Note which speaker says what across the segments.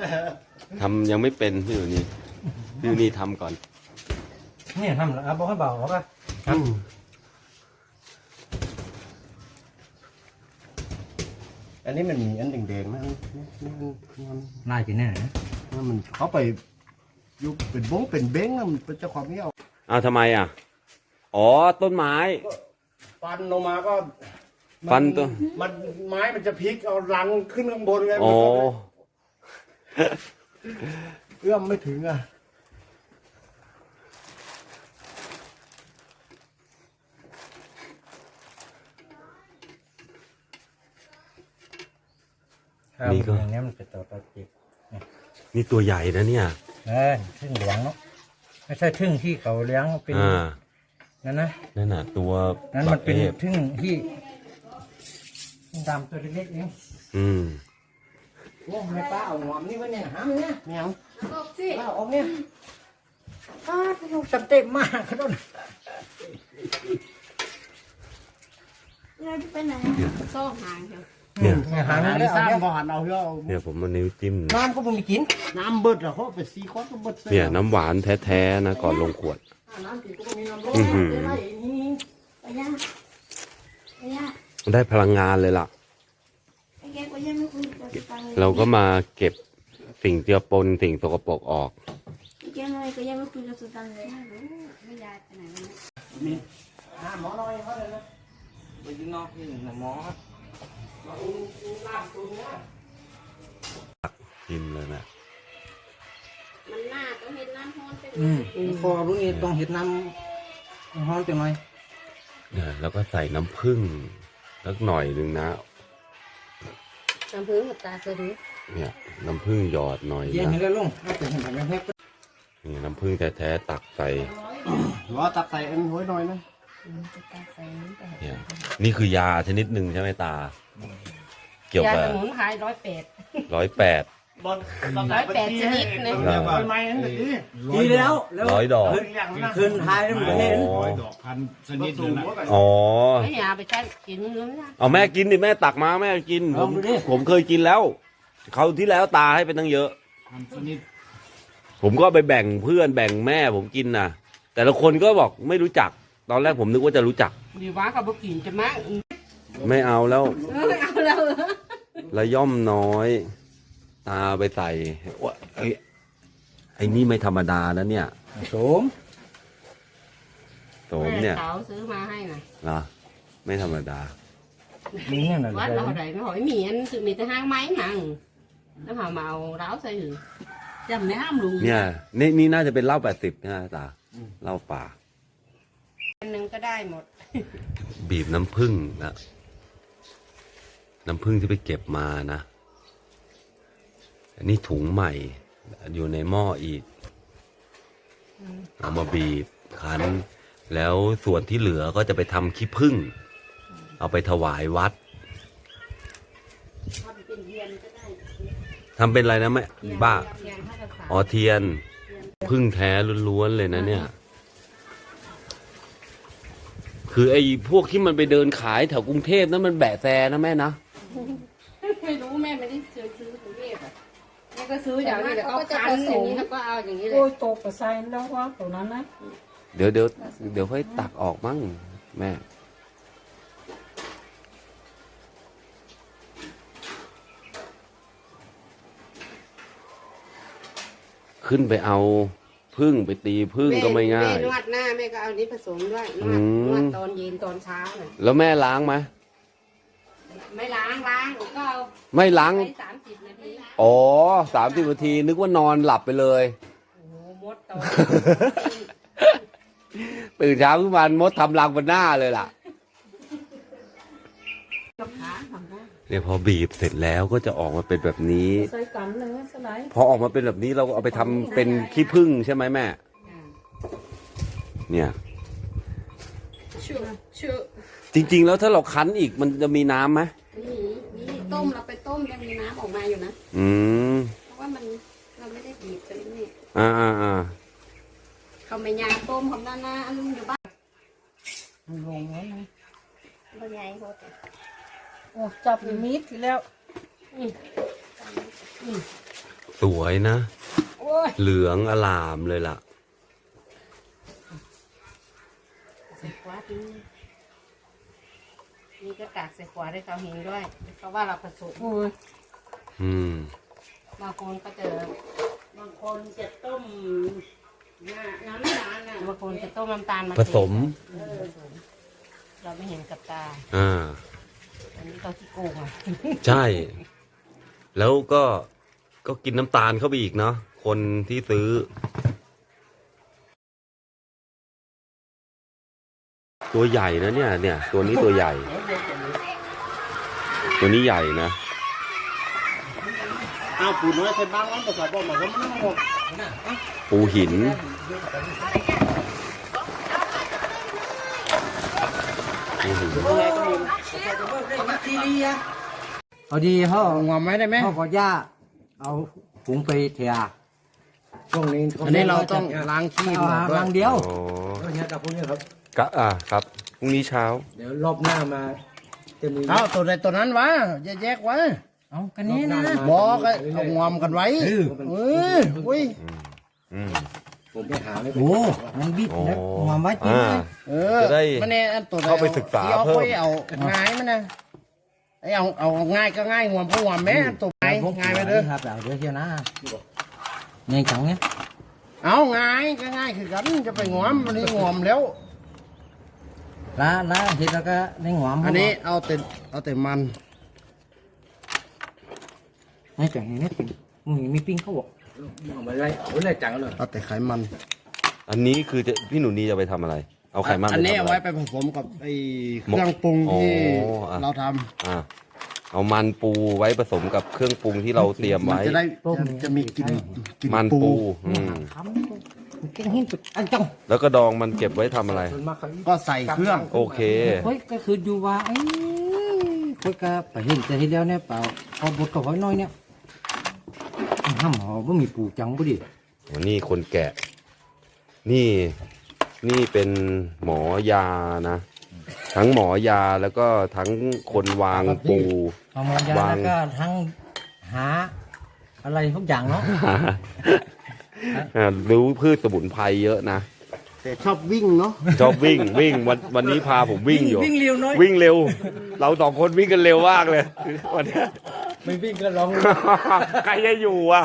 Speaker 1: ทำยังไม่เป็นพี่อยู่นี่ทำก่อน
Speaker 2: นี่ทำแล้วบอกให้เบาหรอปะ
Speaker 3: อันนี้มันมีอันแดงๆนะ
Speaker 2: น่ากินแน่นะ
Speaker 3: มันเขาไปยุบเป็นบ้งเป็นเบ้งมันเป็นเจ้าความไม่เอา
Speaker 1: อ้าวทำไมอ่ะอ๋อต้นไม้
Speaker 3: ฟันลงมาก็
Speaker 1: ฟันตัว
Speaker 3: มันไม้มันจะพลิกเอารังขึ้นข้างบนไง
Speaker 1: อ๋อ
Speaker 3: เอื้อมไม่ถึงอ่ะ
Speaker 1: นี่ก็
Speaker 2: อย่างนี้มันเป็นตัวจิบ
Speaker 1: นี่ตัวใหญ่นะเนี่ย
Speaker 2: ทึ่งเหลืองเนาะไม่ใช่ทึ่งที่เขาเลี้ยงเป็นนั่น
Speaker 1: น่ะตัว
Speaker 2: นั้นมันเป็นทึ่งที่ดำตัวเล็กๆนี่โอ้ไม่ป้าเอาหอมนี่วะเนี่ยหามเนี่ย
Speaker 3: แมว
Speaker 2: เอาสิเอาเนี่ยป้าเต็มมากเขาโดน
Speaker 4: เราจะไปไหนซ่อหางเถอะ
Speaker 1: เนี่ย
Speaker 3: หางนี่ซ้ำพอหันเอา
Speaker 1: เนี่ยผมมานิ้วจิ้ม
Speaker 2: น้ำก็ไม่กิน
Speaker 3: น้ำเบิดเหรอเขาไปซีคอสก็เบิด
Speaker 1: เนี่ยน้ำหวานแท้ๆนะก่อนลงขวดได้พลังงานเลยล่ะเราก็มาเก็บสิ่งเจือปนสิ่งสกปรกออก
Speaker 4: ก็ยังไม่คุยกับสุตันเลยไม่ยายไปไหน
Speaker 2: มีหมอน้อยเขาเลยนะไปยิงนอกที่หมอ
Speaker 1: กินเลยนะ
Speaker 4: มันหน้าต้องเห็นน้ำฮ้อน
Speaker 2: เป็นคอรู้นี่ต้องเห็นน้ำฮ้อนจังหน่อย
Speaker 1: เนี่ยแล้วก็ใส่น้ำผึ้งสักหน่อยนึงนะ
Speaker 4: น้ำผึ้งกับตาเคยดู
Speaker 1: เนี่ยน้ำผึ้งหยอดหน่อย
Speaker 2: นะเย็นเลยลุง
Speaker 1: นี่น้ำผึ้งแท้ๆตักใส่
Speaker 3: ตักใส่เอ็นห้อยหน่อยนะ
Speaker 1: เนี่ยนี่คือยาชนิดหนึ่งใช่ไหมตาเกี่ยวกับ
Speaker 4: ยาสมุนไพร
Speaker 1: 108
Speaker 4: 108ชนิดนะ
Speaker 2: ดีแล้ว
Speaker 1: 100 ดอก
Speaker 2: คืนท้ายแล้วมันเห็น
Speaker 3: 100 ดอกพันชนิดนึง
Speaker 1: อ๋อ
Speaker 4: ไม่อยากไปใช้กินเนื้อ
Speaker 1: เอาแม่กินดิแม่ตักมาแม่กินผมเคยกินแล้วเขาที่แล้วตาให้ไปตั้งเยอะผมก็ไปแบ่งเพื่อนแบ่งแม่ผมกินนะแต่ละคนก็บอกไม่รู้จักตอนแรกผมนึกว่าจะรู้จัก
Speaker 4: ดีว่ากับบุกินจะมั้ง
Speaker 1: ไม่เอาแล้ว
Speaker 4: ไม่เอาแล้ว
Speaker 1: ระย่อมน้อยตาไปใส่ว่าไอ้นี่ไม่ธรรมดานะเนี่ย
Speaker 2: โสม
Speaker 1: เนี่ย
Speaker 4: เขาซื้อมาให้น่ะ
Speaker 1: เหรอไม่ธรรมดา
Speaker 4: วัดเราไหนไม่หอยมีอันคือมีแต่ห้างไม้หนังแล้วหาเมาเล้าใส่หือจำไม่ห้ามลุง
Speaker 1: เนี่ยนี่น่าจะเป็นเหล้า80นะตาเหล้าป่า
Speaker 4: อันนึงก็ได้หมด
Speaker 1: บีบน้ำผึ้งนะน้ำผึ้งที่ไปเก็บมานะอันนี้ถุงใหม่อยู่ในหม้ออีกเอามาบีบคั้นแล้วส่วนที่เหลือก็จะไปทำขี้ผึ้งเอาไปถวายวัดทำเป็นอะไรนะแม่บ้าอ๋อเทียนผึ้งแท้ล้วนๆเลยนะเนี่ยคือไอ้พวกที่มันไปเดินขายแถวกรุงเทพนั้นมันแบะแซนะแม่นะ
Speaker 4: ไม่รู้แม่ไม่ได้ซื้อกรุงเทพอ่ะแม่ก็ซื้ออย่างนี้แล้วก็คั้นอย่างนี้แล้วก็เอาอย่างนี้เลย
Speaker 5: โอ้ยตกกระไซแล้วว่าตัวนั้นนะ
Speaker 1: เดี๋ยวค่อยตักออกมั้งแม่ขึ้นไปเอาพึ่งไปตีพึ่งก็ไม่ง่าย
Speaker 4: นวดหน้าแม่ก็เอานี้ผสมด้วยนวดตอนเย็นตอนเช้าเลย
Speaker 1: แล้วแม่ล้างไหม
Speaker 4: ไม่ล้างก็เอา
Speaker 1: ไม่ล้าง
Speaker 4: 30 นาที
Speaker 1: อ๋อ30 นาทีนึกว่านอนหลับไปเลย
Speaker 4: โอ้โหมดตอน
Speaker 1: ตื่นเช้าขึ้นมามดทำรังบนหน้าเลยล่ะเนี่ยพอบีบเสร็จแล้วก็จะออกมาเป็นแบบนี้พอออกมาเป็นแบบนี้เราก็เอาไปทำเป็นขี้ผึ้งใช่ไหมแม่เนี่ยจริงๆแล้วถ้าเราคั้นอีกมันจะมีน้ำไหม
Speaker 4: มีต้มเราไปต้มยังมีน้ำออกมาอยู่นะเพราะว่าเราไม่ได้บีบกันนี่เขาไม่ยาต้มของด้านหน้าอันนึงอยู่บ้าน
Speaker 5: ลงแล้วนะ
Speaker 4: เป็นไงโหด
Speaker 5: โอ้จับมีดทีแล้ว
Speaker 1: โสสวยนะ
Speaker 4: โอ้ย
Speaker 1: เหลืองอลามเลยล่ะ
Speaker 4: ใส่ขวาดีนี่ก็กากใส่ขวาได้เขาเห็นด้วยเพราะว่าเราผสม
Speaker 1: อืม
Speaker 4: บางคนก็จะ
Speaker 5: บางคนจะต้มน้ำตาลน่ะ
Speaker 4: บางคนจะต้มน้ำตาลมา
Speaker 1: ผสม
Speaker 4: เราไม่เห็นกับตา
Speaker 1: อ่า
Speaker 4: อันนี้เขาที่โกงอ่ะ
Speaker 1: ใช่ แล้วก็กินน้ำตาลเข้าไปอีกเนาะคนที่ซื้อ ตัวใหญ่นะเนี่ย ตัวนี้ตัวใหญ่ ตัวนี้ใหญ่นะ
Speaker 3: อ้าวปูน้อยใส่บ้างมันประสาทบ่มาก็มันหมด
Speaker 1: ปูหิน ปูหิน
Speaker 2: เอาดีเขา
Speaker 3: งอมไหมได้ไหม
Speaker 2: เขาก็ย่าเอาถุงไปเทียช่วงนี้
Speaker 3: อันนี้เราต้องล้างขี้
Speaker 2: เอา
Speaker 3: หมดด้วย
Speaker 2: ลังเดียว
Speaker 1: อ๋อ
Speaker 2: เนี่ยกับพวกนี้ครับ
Speaker 1: ครับพรุ่งนี้เช้า
Speaker 2: เดี๋ยวรอบหน้ามาจะมี
Speaker 3: เอาตัวใดตัวนั้นวะแยกไว้
Speaker 2: เอากันนี้นะ
Speaker 3: บอกเอางอมกันไว้อุ้ย
Speaker 1: อืม
Speaker 2: ผมไปหาไม่เป็นโอ้มันบิดนะ
Speaker 1: โอ้
Speaker 2: วางไว้กิน
Speaker 1: อ่า
Speaker 2: เลย
Speaker 1: จะได้
Speaker 3: มันเนี่ยตัว
Speaker 1: เข้าไปศึกษาเพิ่ม
Speaker 3: เอาง่ายมันนะเอาง่ายก็ง่ายงวมก็งวมแม่ตัวง่ายง่ายไปเด้อ
Speaker 2: ครับเอาเดี๋ยวเชียวนะนี่จังเนี่ย
Speaker 3: เอาง่ายก็ง่ายคือกันจะไปงวมมันนี่งวมแล้ว
Speaker 2: ละเห็ดแล้วก็ในหัว
Speaker 3: อันนี้เอาแต่มัน
Speaker 2: นี่จังนี่มึงมีปิ้งเขาบอกเอาไปเลยเอาเลยจังเลย
Speaker 3: เอาแต่ไขมัน
Speaker 1: อันนี้คือพี่หนูนีจะไปทำอะไร เอาไขมัน
Speaker 3: อันนี้
Speaker 1: ทำ
Speaker 3: เอา
Speaker 1: อะไร
Speaker 3: ไว้ไปผสมกับไอ้เครื่องปรุงที่
Speaker 1: อ๋ออ่ะ
Speaker 3: เราท
Speaker 1: อ่าเอามันปูไว้ผสมกับเครื่องปรุงที่เราเตรียม
Speaker 3: ำมัน
Speaker 1: ไว้
Speaker 3: จะได้จะมีกลิ่น
Speaker 1: มันปูอืม
Speaker 2: ทำเก่งหินสุดอันจัง
Speaker 1: แล้วก็ดองมันเก็บไว้ทำอะไร
Speaker 3: ก็ใส่เครื่อง
Speaker 1: โอเค
Speaker 2: เฮ้ยก็คือดูว่าไอ้คุยกับไปเห็นแต่ทีเดียวเนี่ยเปล่าพอบดกับหอยน้อยเนี่ยห้ำหอว่ามีปูจังบ่ดิ
Speaker 1: วันนี้คนแกะ นี่เป็นหมอยานะ ทั้งหมอยาแล้วก็ทั้งคนวางปู
Speaker 2: เอามายาแล้วก็ทั้งหาอะไรทุกอย่างเนาะ
Speaker 1: รู้พืชสมุนไพรเยอะนะ
Speaker 3: แต่ชอบวิ่งเนาะ
Speaker 1: ชอบวิ่งวันนี้พาผมวิ่งอยู่
Speaker 2: วิ่งเร็วน้อย
Speaker 1: วิ่งเร็ว เราสองคนวิ่งกันเร็วมากเลยวันเนี้ย
Speaker 2: ไม่วิ่งก็ร้อง
Speaker 1: ใครจะอยู่อ่ะ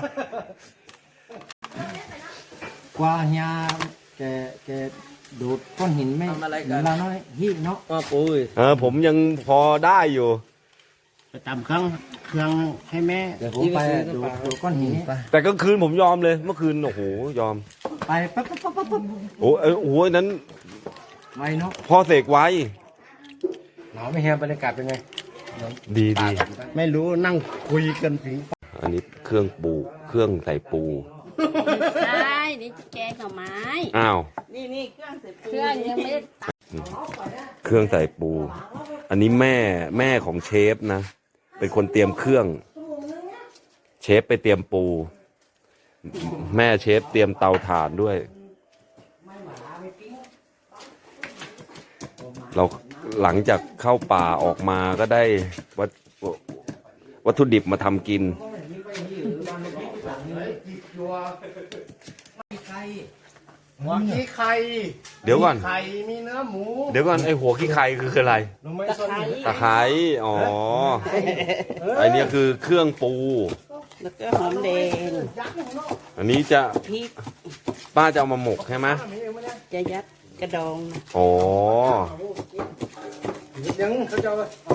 Speaker 2: กว่าเฮียแกดูดก้อนหินไม่เราน้อยหินเนาะ
Speaker 3: ก็ปุ้ย
Speaker 1: ผมยังพอได้อยู่
Speaker 3: ไปตำเครื่องให้แม่
Speaker 2: เดี๋ยวผมไปดูก้อนหินนี้
Speaker 1: แต่กลางคืนผมยอมเลย เมื่อคืนโอ้โหยอม
Speaker 2: ไปปั๊บปั๊บ
Speaker 1: โอ้โหนั้น
Speaker 2: ไวเนาะ
Speaker 1: พ่อเสกไว้
Speaker 2: หนาวไม่เฮียบรรยากาศเป็นไง
Speaker 1: ดี
Speaker 3: ไม่รู้นั่งคุยกันถึง
Speaker 1: อันนี้เครื่องปูเครื่องใส่ปู
Speaker 4: ใช่นี่แกงหน่อไม้
Speaker 1: อ้าว
Speaker 5: นี่เครื่องเสร็จ
Speaker 4: เครื่องยังไม่ได้ตัก
Speaker 1: เครื่องใส่ปู อันนี้แม่ของเชฟนะ เป็นคนเตรียมเครื่อง เชฟไปเตรียมปู แม่เชฟเตรียมเตาถ่านด้วย เราหลังจากเข้าป่าออกมาก็ได้วัตถุดิบมาทำกิน
Speaker 3: หัวขี้ไข่
Speaker 1: เดี๋ยวก่อน
Speaker 3: มีไข่มีเนื้อหมู
Speaker 1: เดี๋ยวก่อนไอหัวขี้ไข่คืออะไร
Speaker 3: รู้ไหมส้น
Speaker 1: ตะไคร้อ๋อไอเนี้ยคือเครื่องปู
Speaker 5: แล้วก็หอมแดง
Speaker 1: อันนี้จะ
Speaker 5: พริก
Speaker 1: ป้าจะเอามาหมกใช่ไหม
Speaker 5: จะยัดกระดองนะ
Speaker 1: อ๋อ
Speaker 2: ยังเขาจะ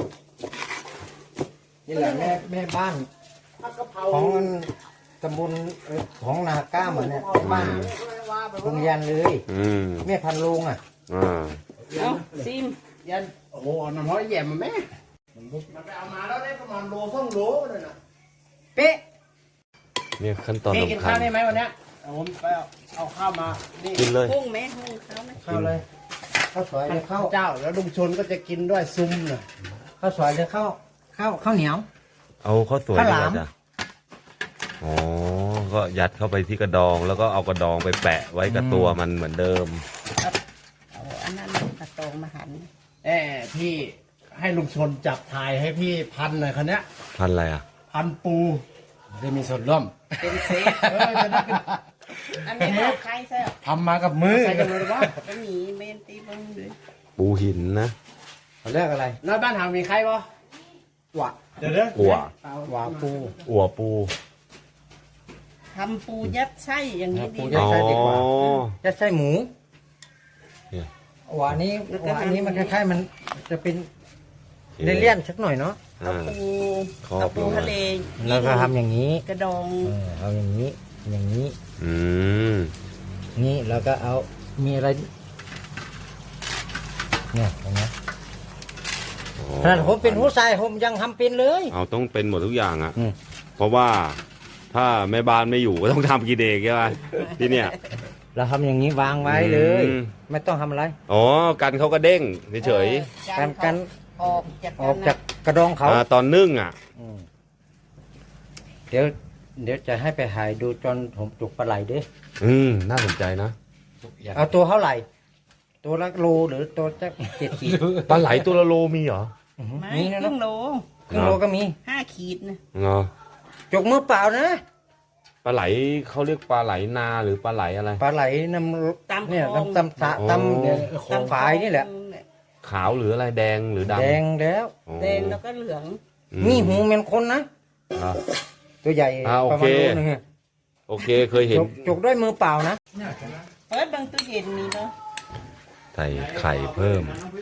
Speaker 2: นี่แหละแม่บ้านของตำบลของนาก้าเหมือนเนี่ยบ้านโรงเรียนเลย
Speaker 1: อืม
Speaker 2: แม่พันโรงอ่ะ
Speaker 1: อ่า
Speaker 5: เอาซิม
Speaker 3: ยันโอ้โหน้ำร้อยแย่มาแม่มันไปเอามาแล้วได้ประมาณโล2 โลเลยนะเป๊ะ
Speaker 1: เนี่ยขั้นตอน
Speaker 3: กิน
Speaker 1: สำคั
Speaker 3: ข้า
Speaker 1: ญ
Speaker 3: วได้ไหมวันเนี้ยผมไปเอาข้าวมานี่
Speaker 1: กินเลย
Speaker 5: กุ้งไหมกุ้งเขาไหม
Speaker 2: เข้าเลยข้าวสวยเลยข้าว
Speaker 3: เจ้าแล้วลุงชนก็จะกินด้วยซุ้มน่ะ
Speaker 2: ข้าวสวยเลยข้าวเหนียว
Speaker 1: เอาข้าวสวย
Speaker 2: ข้าว
Speaker 1: ดี
Speaker 2: ห
Speaker 1: ก
Speaker 2: ลาม
Speaker 1: ว่าจ้ะอ๋อ ก็ยัดเข้าไปที่กระดอง แล้วก็เอากระดองไปแปะไว้กับตัวมันเหมือนเดิม
Speaker 5: เอาอันนั้นกระตองมาหั่น
Speaker 3: พี่ให้ลุงชนจับถ่ายให้พี่พันหน่อยคันเนี้ย
Speaker 1: พันอะไรอ่ะ
Speaker 3: พันปูได้มีส่วนร่วม
Speaker 5: เป็นเซฟ
Speaker 3: จะได้เป็น
Speaker 5: อันนี้บอกใครใช่หรอ
Speaker 3: ทำมากับมือใส่กันเลยว่า
Speaker 5: ก็มีเมนตีบังด้วย
Speaker 1: ปูหินนะ
Speaker 2: เขาเรียกอะไร
Speaker 3: น้อยบ้านหามีใครบ่หวะเดี๋ยวเด้อ
Speaker 1: อัว
Speaker 2: หวาปู
Speaker 1: อัวปู
Speaker 5: ทำปูยัดไส้อย่างนี้ดี
Speaker 2: ยัดไส้ดีกว่า
Speaker 1: อ๋อ
Speaker 2: จะใส่หมู
Speaker 1: เนี่ย
Speaker 2: หวานนี้มันคล้ายๆมันจะเป็นเลี่ยนๆสักหน่อยเนาะ
Speaker 5: เอา
Speaker 1: อ่า
Speaker 5: ปู
Speaker 1: ครอบ
Speaker 5: เอาปู
Speaker 1: ลงมา
Speaker 5: ทะเล
Speaker 2: แล้วก็ทำอย่างนี้
Speaker 5: กระดอง
Speaker 2: เอาอย่างนี้ อย่างนี้
Speaker 1: อืม
Speaker 2: นี่แล้วก็เอามีอะไรเนี่ยเห็นไหม
Speaker 1: อ๋อ
Speaker 2: ขนาดผมเป็นผู้ชายผมยังทำเป็นเลย
Speaker 1: เอาต้องเป็นหมดทุกอย่างอ่ะ
Speaker 2: อืม
Speaker 1: เพราะว่าถ้าแม่บ้านไม่อยู่ก็ต้องทำกินเองใช่ไหมที่เนี่ย
Speaker 2: เราทำอย่างนี้วางไว้เลย
Speaker 1: อืม
Speaker 2: ไม่ต้องทำอะไร
Speaker 1: อ๋อกันเขาก็เด้งเฉย
Speaker 2: กัน
Speaker 5: ออกจาก
Speaker 2: ออกจากกระดอง
Speaker 1: ๆ
Speaker 2: เขา
Speaker 1: ตอนนึ่งอ่ะ
Speaker 2: อืมเดี๋ยวจะให้ไปหายดูจนผมจุกปลาไหลดิ
Speaker 1: น่าสนใจนะ
Speaker 2: เอาตัวเท่าไหร่ ตัวละโลหรือตัวจะ7 ขีด
Speaker 1: ปลาไหลตัวละโลมีเหรอ
Speaker 5: ไม่
Speaker 2: นี่นะ
Speaker 5: ครึ่งโล
Speaker 2: ครึ่งโลก็มี
Speaker 5: 5 ขีดนะ
Speaker 1: เนาะ
Speaker 2: จกมือเปล่านะ
Speaker 1: ปลาไหลเขาเรียกปลาไหลนาหรือปลาไหลอะไร
Speaker 2: ปลาไหลน้
Speaker 5: ตาม
Speaker 2: ำเนี่ย
Speaker 5: คลอง
Speaker 2: ตำสระตำเนี่ย
Speaker 5: ตาม
Speaker 2: ฝายนี่แหละ
Speaker 1: ขาวหรืออะไรแดงหรือดำ
Speaker 2: แดงแล้ว
Speaker 1: อ๋อ
Speaker 5: แดงแล้วก็เหลือง
Speaker 1: อื
Speaker 2: มีหูเป็นคนนะ
Speaker 1: อ่ะ
Speaker 2: ตัวใหญ่
Speaker 1: โอ
Speaker 2: ประ
Speaker 1: เค
Speaker 2: มาณโลนึงอะ
Speaker 1: โอเคเคยเห็น
Speaker 2: จกด้วยมือเปล่านะ
Speaker 5: เปิดบางตู้เย็นมีเนาะ
Speaker 1: ใส่ไข่เพิ่ม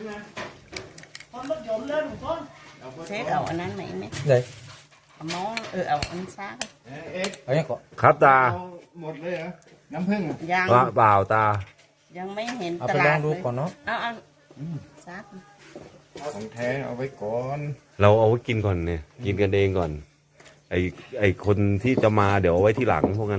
Speaker 5: เซตเอาอันนั้นไหมไหม
Speaker 2: เลย
Speaker 5: เอาหม้อเอาอันซ่าก็
Speaker 2: เอาอย่างก่อน
Speaker 1: ครับตา
Speaker 3: หมดเลยเหรอน้ำผึ้งอะ
Speaker 5: ยัง
Speaker 1: เปล่าตา
Speaker 5: ยังไม่เห็น
Speaker 2: เอา
Speaker 5: ต
Speaker 2: ไปล
Speaker 5: ลา
Speaker 2: อง
Speaker 5: ด
Speaker 2: ดู
Speaker 5: เลย
Speaker 2: ก่อนเนาะ
Speaker 5: เอาซัก
Speaker 3: ของแท้เอาไว้ก่อน
Speaker 1: เราเอาไว้กินก่อนเนี่ย กินกันเองก่อน ไอคนที่จะมาเดี๋ยวเอาไว้ที่หลังพวกนั้น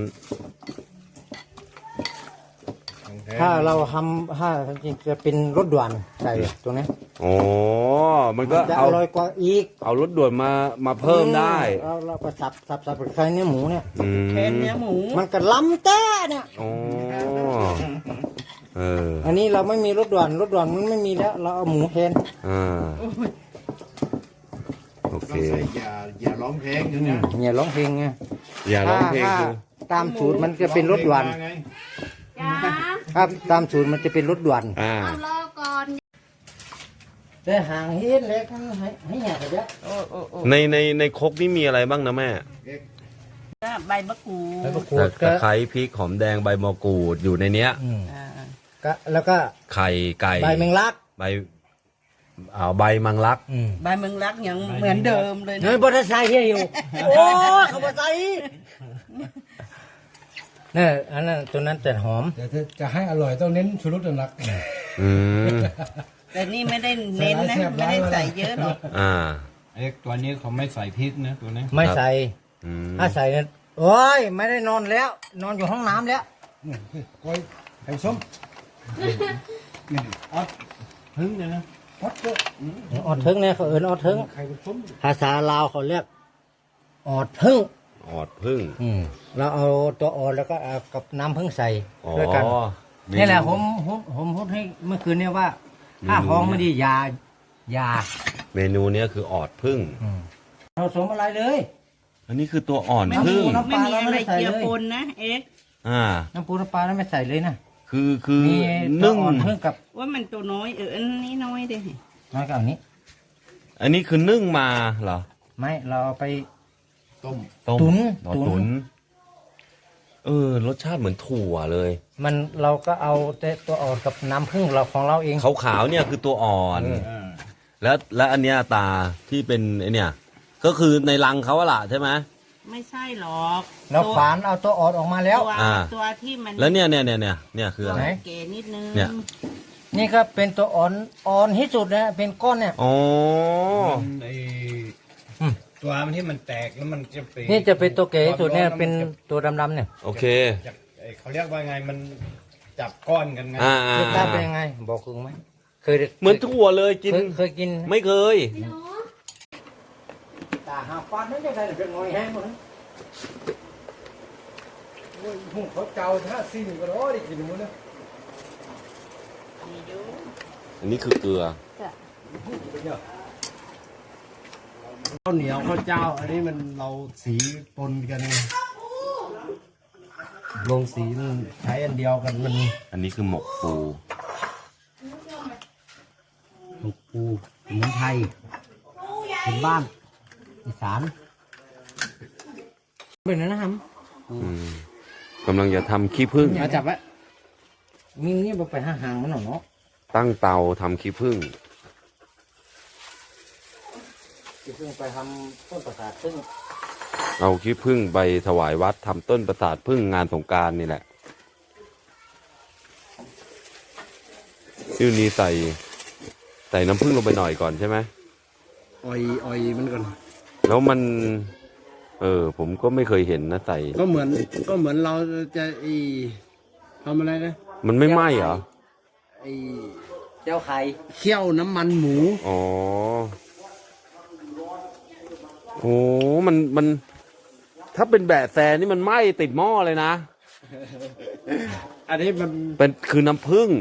Speaker 3: ของแท้
Speaker 2: ถ้าเราทำถ้าจริงๆจะเป็นรถด่วนใส่ตรงนี้
Speaker 1: อ๋อ มันก็
Speaker 2: จะ
Speaker 1: เอา
Speaker 2: อร่อยกว่าอีก
Speaker 1: เอารถด่วนมาเพิ่มได้
Speaker 2: เราก็สับใส่เนื้อหมูเนี่ย
Speaker 1: อืม
Speaker 5: แทนเนื้อหมู
Speaker 2: มันก็ล้ำแต้เนี่ย
Speaker 1: อ๋อเออ
Speaker 2: อันนี้เราไม่มีรถด่วนมันไม่มีแล้ว เราเอาหมูแทน
Speaker 1: อ่าโอเค
Speaker 3: ต้องใส่อย่าร้องเพลงอยู่เนี่ย
Speaker 2: เนี่ยร้องเพลงไง
Speaker 1: อย่าร้องเพลง
Speaker 2: ถ้า
Speaker 1: ดู
Speaker 2: ตามสูตรมันจะเป็นรถด่วน
Speaker 3: ร้องเพลงมาไง
Speaker 4: จ้า
Speaker 2: ครับตามสูตรมันจะเป็นรถด่วน
Speaker 1: อ่า
Speaker 4: เอารอก่อน
Speaker 2: แต่ห่างเฮ็ดเลยทั้งให้แหกไปเยอะ
Speaker 5: โอ้
Speaker 1: ในครกนี่มีอะไรบ้างนะแม่
Speaker 5: ก็ใบมะกรู
Speaker 2: แล้ว
Speaker 5: ด
Speaker 2: ก็ขูด
Speaker 1: ตะไคร้พริกหอมแดงใบมะกรูดอยู่ในเนี้ย
Speaker 5: อ่า
Speaker 2: ก็แล้วก็
Speaker 1: ไข่ไก่
Speaker 2: ใบแมงลัก
Speaker 1: ใบใบมังลัก
Speaker 5: ใบเมืองรักยังเหมือนเดิมเลย
Speaker 2: เฮ้
Speaker 5: นะ
Speaker 2: ยบอสไซค์เฮียอยู่ โอ้เขาบอสไซค์เนี่ยอันนั้นตัวนั้นแต่หอม
Speaker 3: เดี๋ยวจะให้อร่อยต้องเน้นชูรสหนัก
Speaker 1: อืม
Speaker 5: แต่นี่ไม่ได้เน้นนะไม่ได้ใส่เยอะหรอก
Speaker 1: อ่า
Speaker 6: ไอ้ตัวนี้เขาไม่ใส่พริกนะตัวนี้
Speaker 2: ไม่ใส่
Speaker 1: อืม
Speaker 2: ถ้าใส่เนี่ยโอ้ยไม่ได้นอนแล้ว นอนอยู่ห้องน้ำแล้ว
Speaker 3: ก้อยไข่ส้มนี่ออดพึ่งเนี่ยนะออดก็
Speaker 2: ออดทึงเนี่ยเขาเอิ้นออดทึง
Speaker 3: ไข่ส้ม
Speaker 2: ภาษาลาวเขาเรียกออดพึ่ง
Speaker 1: ออดพึ่ง
Speaker 2: เราเอาตัวออดแล้วก็เอากับน้ำพึ่งใส่
Speaker 1: อ๋อ
Speaker 2: ด้วยกัน
Speaker 1: เม
Speaker 2: นี่แหละผมพูดให้เมื่อคืนเนี่ยว่า ถ้าห้องไม่ดียา
Speaker 1: เมนูเนี้ยคือออดพึ่ง
Speaker 2: เราสมอะไรเลย
Speaker 1: อันนี้คือตัวอ่อน
Speaker 5: ไม่
Speaker 1: พึ่
Speaker 5: มี
Speaker 1: ง
Speaker 5: ไม่มีอะไรเกี่ยวปนนะเอ็กซ์
Speaker 1: อ่า
Speaker 2: น้ำปูน้ำปลาแล้วไม่ใส่เลยนะ
Speaker 1: คือ
Speaker 2: มีตัว
Speaker 1: นึ่ง
Speaker 2: อ่อนพึ่งกับ
Speaker 5: ว่ามันตัวน้อยอันนี้น้อยเด้
Speaker 2: น้อยกับอันนี้
Speaker 1: อันนี้คือนึ่งมาเหรอ
Speaker 2: ไม่เราเอาไป
Speaker 3: ต้ม
Speaker 1: ต้ม
Speaker 2: ตุ๋น
Speaker 1: อ๋อ
Speaker 2: ตุ๋น
Speaker 1: ตุ๋นรสชาติเหมือนถั่วเลย
Speaker 2: มันเราก็เอาแต่ตัวอ่อนกับน้ำพึ่งเราของเราเอง
Speaker 1: ขาวๆเนี่ยคือตัวอ่อน แล้วอันเนี้ยตาที่เป็นไอเนี่ย ก็คือในรังเขาอะล่ะใช่ไหม
Speaker 5: ไม่ใช่หรอก
Speaker 2: เราฝานเอาตัวอ่อนออกมาแล้ว
Speaker 5: ตัว
Speaker 1: อ่า
Speaker 5: ตัวที่มัน
Speaker 1: แล้วเนี่ยคืออะไร
Speaker 2: ไหน
Speaker 5: เก๋นิดนึง
Speaker 1: เนี่ย
Speaker 2: นี่ก็เป็นตัวอ่อนที่สุดนะเป็นก้อนเนี่ย
Speaker 1: อ๋อ
Speaker 6: ไอ้
Speaker 2: อืม
Speaker 6: ตัวมันที่มันแตกแล้วมันจะเป็น
Speaker 2: นี่จะเป็นตัวเก๋ที่สุดเนี่ยเป็นตัวดำๆเนี่ย
Speaker 1: โอเค
Speaker 6: เขาเรียกว่าไงมันจับก้อนกันไง
Speaker 1: อ่าร
Speaker 2: สชาติเป็นยังไง บอกคุณไหมเคย
Speaker 1: เหมือนถั่วเลยกิน
Speaker 2: เคยกิน
Speaker 1: ไม่เคย
Speaker 2: ตาหาฟันนั่นจะได้เป็นงอยแห้งหมดนะ
Speaker 3: หุ่งเขาเจ้าท่าซิ่งก็ร้อยได้กินหมดนะ
Speaker 5: มีอยู่
Speaker 1: อันนี้คือเกลือ
Speaker 3: ข้าวเหนียวข้าวเจ้า อันนี้มันเราสีปนกันลงสีมันใช้อันเดียวกันมัน
Speaker 1: อันนี้คือหมกปู
Speaker 2: หมูปูสมุนไพรเป็นบ้านอีสานเป็นนะครับ
Speaker 1: กำลังจะทำขี้ผึ้ง
Speaker 3: มาจับไว้
Speaker 2: มีนี่บ่ไปหาหางมันหรอเนาะ
Speaker 1: ตั้งเตาทำขี้ผึ้ง
Speaker 2: จะเพิ่งไปทำต้นประสาทซึ่ง
Speaker 1: เอาขี้ผึ้งไปถวายวัดทำต้นประสาทผึ้งงานสงกรานต์นี่แหละชื่อนี้ใส่น้ำผึ้งลงไปหน่อยก่อนใช่ไหม
Speaker 3: อ่อยมันก่อน
Speaker 1: แล้วมัน ผมก็ไม่เคยเห็นนะใส่
Speaker 3: ก็เหมือนเราจะทำอะไรนะ
Speaker 1: มันไม่ไหม้เหรอ
Speaker 3: ไอ้
Speaker 2: เจ้าไข่
Speaker 3: เคี่ยวน้ำมันหมู
Speaker 1: อ๋อ โอ้มัน ถ้าเป็นแบะแซนี่มันไหม้ติดหม้อเลยนะ
Speaker 3: อันนี้มัน
Speaker 1: คือน้ำผึ้ง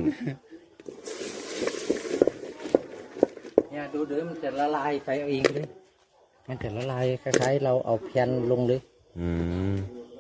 Speaker 2: เนี่ยดูเดี๋ยวมันจะละลายไปเอาเองเลยมันจะละลายคล้ายๆเราเอาแผ่นลงเลย
Speaker 1: อืม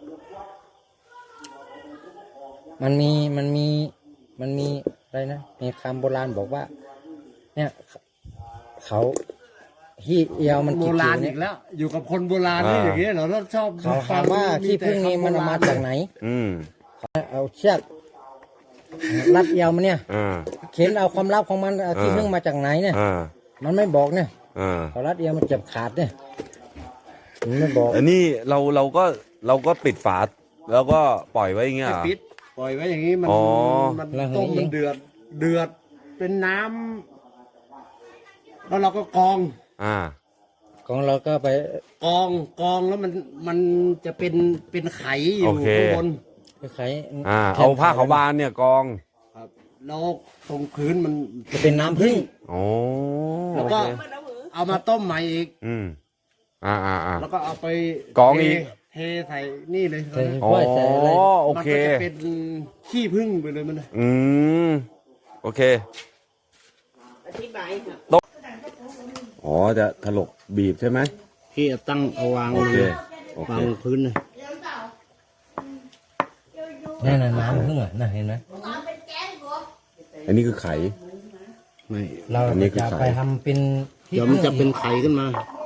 Speaker 2: มันมีอะไรนะมีคำโบราณบอกว่า เนี่ยเขาที่เอียวมัน
Speaker 3: โบ
Speaker 2: ติด
Speaker 3: รา
Speaker 2: อ
Speaker 3: ณ
Speaker 2: ยู่
Speaker 3: อี
Speaker 2: เนี่ย
Speaker 3: กแล้ว อยู่กับคนโบราณนี่อย่างเงี้ยเราชอบ
Speaker 2: เขาถามว่าขี้ผึ้งนี้มันเอามาจากไหน
Speaker 1: อืม
Speaker 2: เอาเชือกรัดเอียวมันเนี่ย
Speaker 1: อ่า
Speaker 2: เข็นเอาความลับของมันเอาขี้ผึ้งมาจากไหนเนี่ย
Speaker 1: อ่า
Speaker 2: มันไม่บอกเนี่ย
Speaker 1: อ่า
Speaker 2: เขารัดเอียวมันเจ็บขาดเนี่ยมันไม่บอก
Speaker 1: อันนี้เราก็ปิดฝาแล้วก็ปล่อยไว้อย่างเงี้ยเหรอ
Speaker 3: ปิดปล่อยไว้อย่างนี้มัน
Speaker 1: อ๋อ
Speaker 3: มันต้มมันเดือดเป็นน้ำแล้วเราก็กรอง
Speaker 1: อ่า
Speaker 2: ของเราก็ไป
Speaker 3: กรองแล้วมันจะเป็นไข่อยู่
Speaker 1: โอเค
Speaker 3: ข้างบน
Speaker 2: ไปขาย
Speaker 1: เอาผ้าขาวบานเนี่ยกอง
Speaker 3: ครับแล้วตรงพื้นมัน
Speaker 2: จะเป็นน้ำผึ้ง
Speaker 1: โอ้
Speaker 3: แล้ว
Speaker 1: โอ
Speaker 3: ก็
Speaker 1: เค
Speaker 3: เอามาต้มใหม่อีก
Speaker 1: อืมอ่า
Speaker 3: แล้วก็เอาไป
Speaker 1: กรองอีก
Speaker 3: เทใส่นี่เลย
Speaker 2: ใส่
Speaker 1: อ๋อ
Speaker 2: ถ้วยใส่อะไร
Speaker 1: โอเค
Speaker 3: มันก็จะเป็นขี้ผึ้งไปเลยมันนะ
Speaker 1: อืม โอเค
Speaker 5: อธิบายค่ะ
Speaker 1: อ๋อ จะถลกบีบใช่ไหม
Speaker 3: ที่ตั้งเอาวาง
Speaker 1: โอเค
Speaker 3: เลย
Speaker 1: โอ
Speaker 3: วา
Speaker 1: เค
Speaker 3: งพื้นเลย
Speaker 2: นั่นน่ะน้ำผึ้งอ่ะน่ะเห็นไหม
Speaker 1: อันนี้คือไข่
Speaker 3: ไม่
Speaker 2: เรา
Speaker 1: อันนี้คือ
Speaker 2: จะ
Speaker 1: ไข่
Speaker 2: ไปทำเป็นที่
Speaker 3: เดี๋ยวมันจะเป็นไข่ขึ้นมา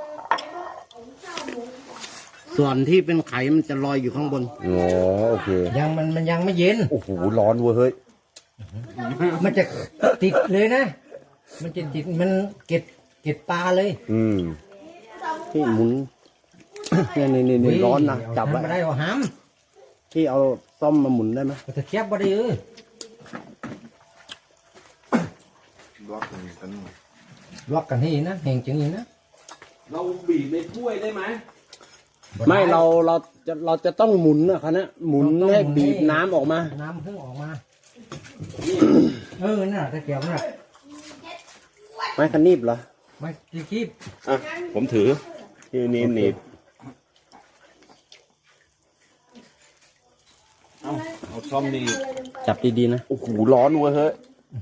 Speaker 3: ส่วนที่เป็นไข่มันจะลอยอยู่ข้างบน
Speaker 1: อ๋อ โอเค
Speaker 2: ยังมันยังไม่เย็น
Speaker 1: โอ้โห ร้อนเว้ยเฮ้ย
Speaker 2: มันจะติดเลยนะ มันจะติดมันเก็บปลาเลย
Speaker 1: อืม
Speaker 3: ที่หมุน นี่ร้อนนะ
Speaker 2: เอา
Speaker 3: จับไว้
Speaker 2: ทำไม่ได้เอาห้าม
Speaker 3: ที่เอาซ่อมมาหมุนได้ไหม
Speaker 2: เอาตะเกียบบ่ได้ล็อกกันให้นะแห่งจังนี้นะ
Speaker 1: เราบีบในถ้วยได้ไหม
Speaker 3: ไม่เราจะต้องหมุนนะครับนะหมุนให้บีบน้ำออกมา
Speaker 2: น้ำเพิ่งออกมาน่ะตะเกียบน่ะ
Speaker 3: ไม้คันนีบเหรอ
Speaker 2: ไม่ตะกีบ
Speaker 1: อ่ะ ผมถือที่นี่หนีบเอาซ่อมนี่
Speaker 3: จับดีๆนะ
Speaker 1: โอ้โห ร้อนเว้ยเฮ้ย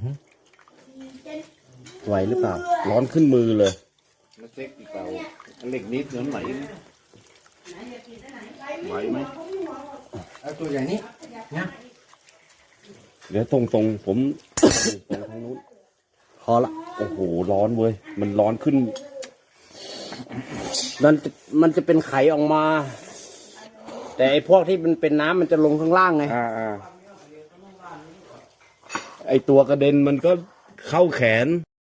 Speaker 3: ไหวหรือเปล่า
Speaker 1: ร้อนขึ้นมือเลย
Speaker 6: เหล็กนิดน้ำไหลไหวไหม
Speaker 2: เอาตัวใหญ่นี้นะ
Speaker 1: เดี๋ยวตรงผมตรงทางนู้น
Speaker 3: พอละ
Speaker 1: โอ้โห ร้อนเว้ย มันร้อนขึ้น
Speaker 3: มันจะเป็นไข่ออกมา แต่ไอ้พวกที่มันเป็นน้ำมันจะลงข้างล่างไง
Speaker 1: ไอตัวกระเด็นมันก็เข้าแขน